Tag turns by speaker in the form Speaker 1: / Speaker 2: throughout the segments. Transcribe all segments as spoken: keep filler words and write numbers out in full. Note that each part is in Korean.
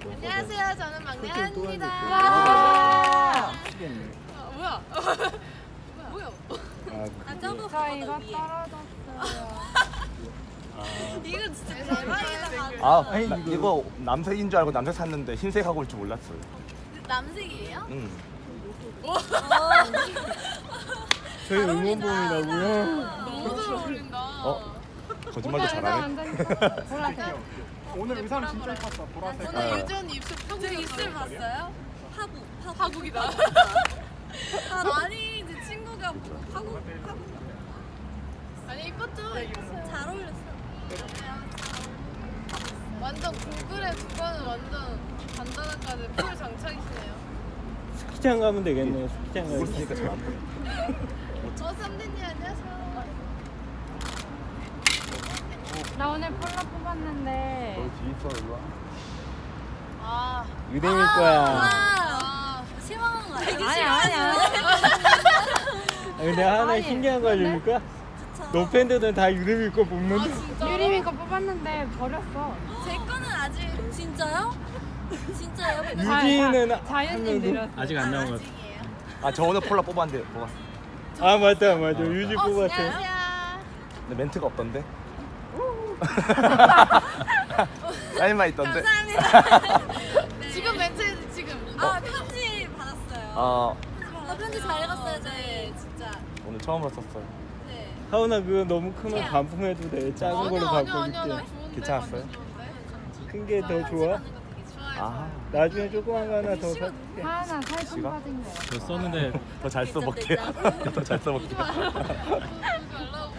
Speaker 1: 안녕하세요. 저는 막내 한입니다.
Speaker 2: 와.
Speaker 3: 미치겠네.
Speaker 1: 아, 뭐야? 뭐야?
Speaker 3: 아,
Speaker 2: 아, 저거
Speaker 4: 저 이거
Speaker 2: 그거는 위에.
Speaker 4: 떨어졌어요.
Speaker 2: 이거 진짜 대박이다.
Speaker 5: 아,
Speaker 3: 아니,
Speaker 5: 나,
Speaker 3: 이거-
Speaker 5: 이거 남색인 줄 알고 남색 샀는데 흰색하고 올 줄 몰랐어요.
Speaker 2: 남색이에요?
Speaker 5: 응.
Speaker 3: 저희 응원봉이라고요.
Speaker 1: 너무 잘 어울린다.
Speaker 5: 어? 거짓말도 잘하네.
Speaker 4: 완전 보라색.
Speaker 3: 오늘 의상 진짜 예뻤어. 보라색.
Speaker 1: 오늘
Speaker 5: 아.
Speaker 1: 유전 입술
Speaker 2: 저
Speaker 1: 파국이었어요.
Speaker 2: 입술 봤어요? 파국. 파국.
Speaker 1: 파국이다.
Speaker 2: 아, 아니, 이제 친구가 파국. 파국.
Speaker 1: 아니 이뻤죠?
Speaker 2: 잘 어울렸어.
Speaker 1: 완전 구글에 두 번은 완전 간단한까지 풀 장착이시네요.
Speaker 3: 스키장 가면 되겠네요. 스키장
Speaker 5: 구글
Speaker 3: 가면.
Speaker 5: 쓰니까 잘 안 보여.
Speaker 1: 어 쌈디님 안녕하세요.
Speaker 4: 나 오늘 폴라 뽑았는데
Speaker 5: 뒤에 있어, 일로 와.
Speaker 1: 아,
Speaker 3: 유대일 거야.
Speaker 2: 와.
Speaker 1: 아,
Speaker 2: 실망한 거 아니야?
Speaker 4: 아니 아니야.
Speaker 3: 아, 근데 하나
Speaker 4: 아니,
Speaker 3: 신기한 거 알려줄까?
Speaker 2: 진짜.
Speaker 3: 너 팬들은 다 유대일 거
Speaker 1: 아
Speaker 3: 뽑는데.
Speaker 1: 진짜.
Speaker 4: 유리미 거 뽑았는데 버렸어.
Speaker 2: 제 거는 아직 진짜요? 진짜요?
Speaker 3: 유진이는
Speaker 4: 자- 자연님 느렸어.
Speaker 3: 아직 안 나온 것 같아.
Speaker 2: 아직이에요.
Speaker 5: 아, 저 오늘 폴라 뽑았는데 뽑았어.
Speaker 3: 아 맞다 맞아. 유진
Speaker 2: 어,
Speaker 3: 뽑았어.
Speaker 2: 진짜요?
Speaker 5: 근데 멘트가 없던데? 사인만 있던데?
Speaker 2: 감사합니다. 네.
Speaker 1: 지금 멘트 지금.
Speaker 2: 아, 편지 받았어요.
Speaker 5: 아,
Speaker 2: 나 편지 잘 읽었어요, 네, 진짜.
Speaker 5: 오늘 처음으로 썼어요.
Speaker 2: 네.
Speaker 3: 하은아 그거 너무 크면 반품해도 돼. 작은 걸로
Speaker 1: 아니야 아니야 아니야 나
Speaker 3: 바꿔줄게.
Speaker 1: 좋은데.
Speaker 5: 괜찮았어요?
Speaker 1: 완전 좋은데.
Speaker 3: 큰 게 더
Speaker 2: 편지
Speaker 3: 좋아?
Speaker 2: 받는 거 되게 좋아요.
Speaker 5: 아,
Speaker 3: 나중에 조그만 거 하나 더 사줄게.
Speaker 4: 하나 살좀
Speaker 5: 지가?
Speaker 4: 빠진 거.
Speaker 6: 저 썼는데
Speaker 5: 더 잘 써볼게요. 더 잘 써볼게요.
Speaker 1: 말라고.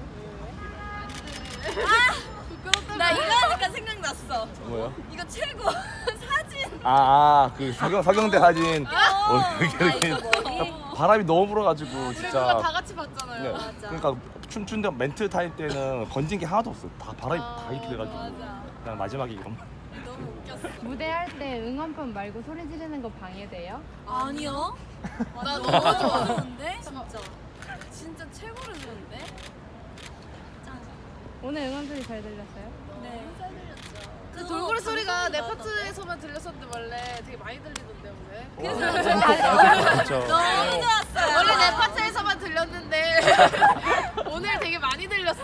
Speaker 1: 부끄럽다.
Speaker 2: 나 이거 하니까 생각났어.
Speaker 5: 뭐요?
Speaker 2: 이거 최고 사진.
Speaker 5: 아, 아, 그 서경, 서경대 사진.
Speaker 2: 어,
Speaker 5: 어, 여기,
Speaker 2: 나
Speaker 5: 여기.
Speaker 2: 이거 머리.
Speaker 5: 바람이 너무 불어가지고
Speaker 1: 우리 누가
Speaker 5: 진짜.
Speaker 1: 다 같이 봤잖아요.
Speaker 5: 네.
Speaker 2: 맞아.
Speaker 5: 그러니까 춤춘데 멘트 탈 때는 건진 게 하나도 없어. 다 바람이
Speaker 1: 아,
Speaker 5: 다 이렇게 돼가지고.
Speaker 2: 맞아.
Speaker 5: 그냥 마지막에 이런.
Speaker 2: 너무 웃겼어.
Speaker 4: 무대 할 때 응원법 말고 소리 지르는 거 방해돼요?
Speaker 2: 아니요.
Speaker 1: 나
Speaker 2: 너무
Speaker 1: 너무 좋아.
Speaker 2: 좋은데? 진짜. 진짜 최고로 좋은데? 짱.
Speaker 4: 오늘 응원 소리 잘 들렸어요?
Speaker 2: 네. 잘 들렸죠.
Speaker 1: 그 돌고래 소리가 내 파트에서만 들렸었는데 원래 되게 많이 들리던데 오늘.
Speaker 5: 어,
Speaker 2: 그래서
Speaker 5: 진짜.
Speaker 2: 너무 좋았어요.
Speaker 1: 원래 내 파트에서만 들렸는데 오늘 되게 많이 들렸어.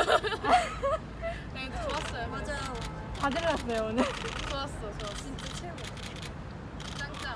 Speaker 1: 네, 근데 좋았어요.
Speaker 2: 맞아요.
Speaker 4: 다 들렸어요 오늘.
Speaker 1: 좋았어, 좋았어.
Speaker 2: 진짜 최고.
Speaker 1: 짱짱.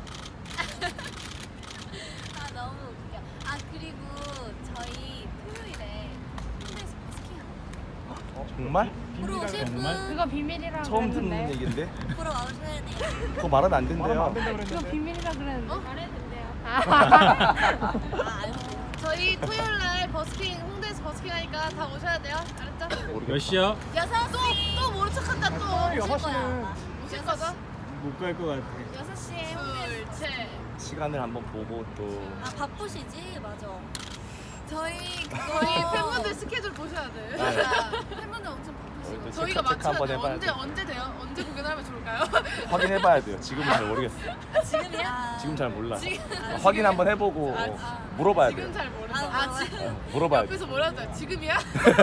Speaker 2: 아 너무 웃겨. 아 그리고 저희 토요일에 홍대에서 버스킹 하는
Speaker 5: 정말?
Speaker 2: 거. 보러 오실
Speaker 6: 정말?
Speaker 2: 분
Speaker 4: 그거 비밀이라
Speaker 5: 처음 듣는
Speaker 4: 그랬는데.
Speaker 5: 얘기인데?
Speaker 2: 보러 와주셔야 돼요.
Speaker 5: 그거 말하면 안 된대요.
Speaker 4: 그거 비밀이라 그랬는데.
Speaker 2: 말해도
Speaker 4: 아,
Speaker 2: 아 알죠.
Speaker 1: 저희 토요일 날 버스킹 홍대에서 버스킹 하니까 다 오셔야 돼요. 알았죠?
Speaker 6: 몇 시요?
Speaker 2: 여섯 시.
Speaker 1: 또 모른 척한다 또.
Speaker 2: 오실 거야.
Speaker 1: 오실 거죠?
Speaker 3: 못 갈 것 같아.
Speaker 2: 여섯 시에 홍대.
Speaker 1: 둘, 셋.
Speaker 5: 시간을 한번 보고 또.
Speaker 2: 아 바쁘시지? 맞아. 저희
Speaker 1: 저희
Speaker 2: 그거
Speaker 1: 팬분들 스케줄 보셔야 돼.
Speaker 2: 맞아. 팬분들 엄청
Speaker 5: 저희
Speaker 2: 바쁘시고.
Speaker 5: 또
Speaker 1: 저희가
Speaker 5: 체크, 체크
Speaker 1: 맞춰야
Speaker 5: 한번
Speaker 1: 돼.
Speaker 5: 해봐야
Speaker 1: 언제
Speaker 5: 돼.
Speaker 1: 언제 돼요? 언제 공연하면 좋을까요?
Speaker 5: 확인해봐야 돼요. 지금은 잘 모르겠어.
Speaker 2: 지금이야?
Speaker 5: 지금 잘 몰라.
Speaker 2: 지금-
Speaker 5: 아, 확인 한번 해보고
Speaker 1: 아,
Speaker 5: 물어봐야
Speaker 1: 지금
Speaker 5: 돼요.
Speaker 1: 잘 모르죠.
Speaker 2: 아,
Speaker 1: 아, 지,
Speaker 5: 어, 물어봐야 돼.
Speaker 1: 옆에서 뭐라도 해. 지금이야?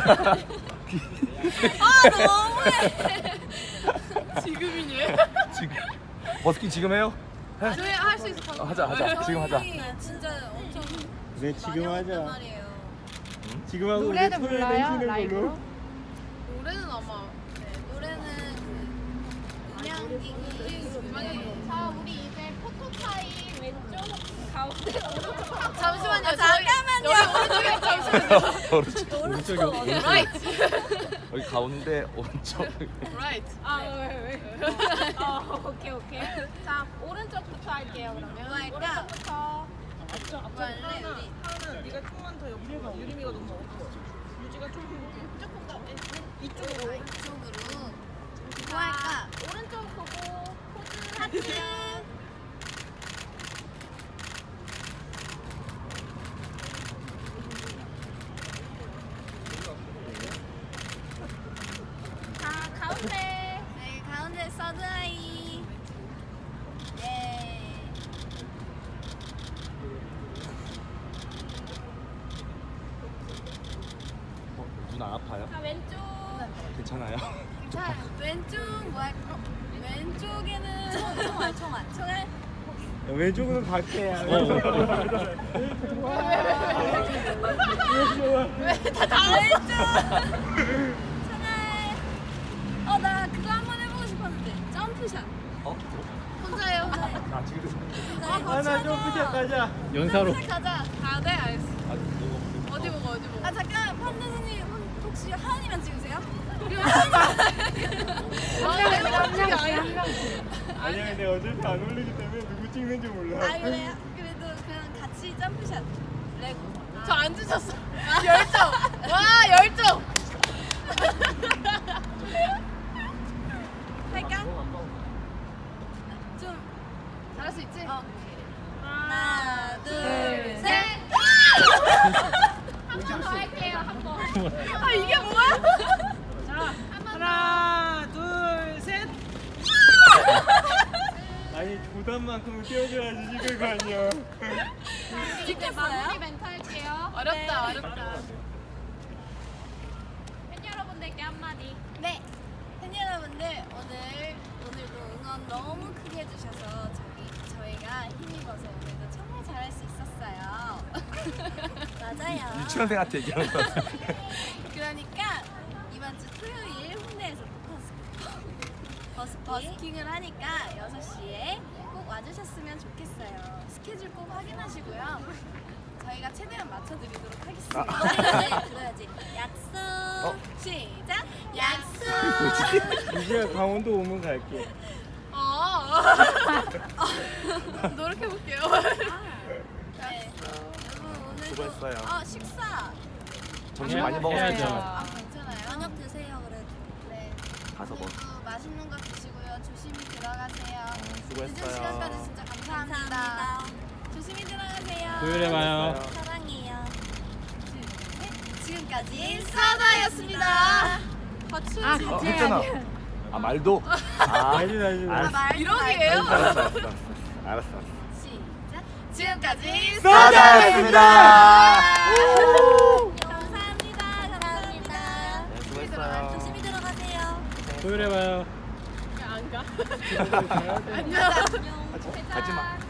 Speaker 2: 아 너무해.
Speaker 1: 지금이니?
Speaker 5: 지금 버스킹 지금 해요? 해?
Speaker 1: 저희 할 수 있어. 방금.
Speaker 5: 어, 하자, 하자. 지금 하자.
Speaker 2: 저희 진짜 엄청
Speaker 3: 그래 지금
Speaker 2: 많이
Speaker 3: 하자.
Speaker 2: 왔단 말이에요.
Speaker 3: 지금 하고 우리
Speaker 4: 노래도
Speaker 3: 토요일에
Speaker 4: 불러요?
Speaker 3: 쉬는
Speaker 4: 라이브로?
Speaker 3: 걸로.
Speaker 1: 노래는 아마
Speaker 2: 네, 노래는 그 그냥
Speaker 1: 자, 우리 이제 포토타임 왼쪽 가운데 잠시만요.
Speaker 2: 아,
Speaker 1: 저희
Speaker 2: 잠깐만요.
Speaker 1: 여기 오른쪽에 잠시만요.
Speaker 5: 오른쪽.
Speaker 2: 오른쪽
Speaker 6: 오른쪽이
Speaker 1: Right.
Speaker 5: 여기 가운데 오른쪽.
Speaker 1: Right.
Speaker 4: 아, 왜, 왜? 어, 오케이, 오케이. 자, 오른쪽부터 할게요, 그러면.
Speaker 2: 뭐 할까?
Speaker 4: 오른쪽부터.
Speaker 2: 뭐 할래 우리? 이쪽으로 이쪽으로 뭐 할까?
Speaker 4: 오른쪽 보고 포즈 하트. 자, 가운데.
Speaker 2: 네 가운데 서드아이. 예.
Speaker 5: 어, 눈 안 아파요?
Speaker 4: 자, 왼쪽.
Speaker 5: 괜찮아요?
Speaker 2: 자 왼쪽 뭐 할까? 왼쪽 왼쪽에는 총알, 총알, 총알.
Speaker 3: 왼쪽은 밖에야.
Speaker 2: 왜다 왼쪽. 총알. 어, 나 그거 한번 해보고 싶었는데. 점프샷.
Speaker 5: 어?
Speaker 1: 혼자예요.
Speaker 5: 나 지금
Speaker 3: 하나 좀 부탁 가자.
Speaker 1: 연사로. 가자. 아, 네, 알겠어.
Speaker 5: 아, 이거
Speaker 1: 어디 보고, 어디 보고.
Speaker 2: 아, 잠깐. 판다 선생님 혹시 하은이만 찍으세요?
Speaker 3: 아니야 근데 어차피 안 올리기 때문에 누구 찍는지 몰라.
Speaker 2: 아, 그래요? 그래도 그냥 같이 점프샷. 레고.
Speaker 1: 저 안 주셨어. 열정. 와, 열정.
Speaker 2: 할까? 좀.
Speaker 1: 잘할 수 있지?
Speaker 2: 어. 하나, 둘, 셋.
Speaker 1: 셋. 한 번 더 할게요. 한 번. 아, 이게 뭐야? 자, 하나, 둘, 셋.
Speaker 3: 아니 부담만큼은 띄워줘야지 찍을 거 아니야.
Speaker 1: 이제 마무리 멘트 할게요. 어렵다, 어렵다. 팬 여러분들께 한마디.
Speaker 2: 네. 팬 여러분들 오늘 오늘도 응원 너무 크게 해주셔서 저기 저희가 힘입어서 오늘도 정말 잘할 수 있었어요. 맞아요.
Speaker 5: 유치원생한테 얘기하는 거 같아.
Speaker 2: 그러니까 이번 주 토요일 홍대에서 버스, 버스킹을 하니까 여섯 시에 꼭 와주셨으면 좋겠어요. 스케줄 꼭 확인하시고요. 저희가 최대한 맞춰드리도록 하겠습니다. 네, 들어야지. 약속.
Speaker 5: 어?
Speaker 2: 시작. 약속.
Speaker 3: 이제야 강원도 오면 갈게.
Speaker 1: 어. 노력해볼게요.
Speaker 2: 네. 여러분 오늘
Speaker 5: 수고했어요.
Speaker 2: 어, 식사.
Speaker 5: 점심 많이
Speaker 3: 해야죠.
Speaker 5: 먹었어요.
Speaker 2: 아, 괜찮아요. 저녁 드세요 그래도. 네.
Speaker 5: 가서 뭐.
Speaker 2: 오늘도 맛있는 거 드시고요. 조심히 들어가세요. 늦은
Speaker 5: 수고했어요.
Speaker 2: 시간까지 진짜 감사합니다. 조심히 들어가세요.
Speaker 3: 토요일에 봐요.
Speaker 2: 사랑해요. 네, 지금까지
Speaker 1: 사다였습니다.
Speaker 2: 버츠.
Speaker 1: 아,
Speaker 5: 어, 했잖아. 아 말도. 아,
Speaker 3: 알지 알지.
Speaker 5: 알았어.
Speaker 2: 말
Speaker 1: 이러기예요?
Speaker 5: 알았어, 알았어, 알았어, 알았어. 알았어.
Speaker 2: 시작.
Speaker 1: 지금까지
Speaker 5: 사다였습니다.
Speaker 2: 감사합니다. 감사합니다.
Speaker 5: 네, 수고했어요.
Speaker 2: 조심히 들어가세요.
Speaker 3: 토요일에 봐요.
Speaker 1: 안 가.
Speaker 3: 안녕.
Speaker 2: 안녕.
Speaker 5: 가지 마.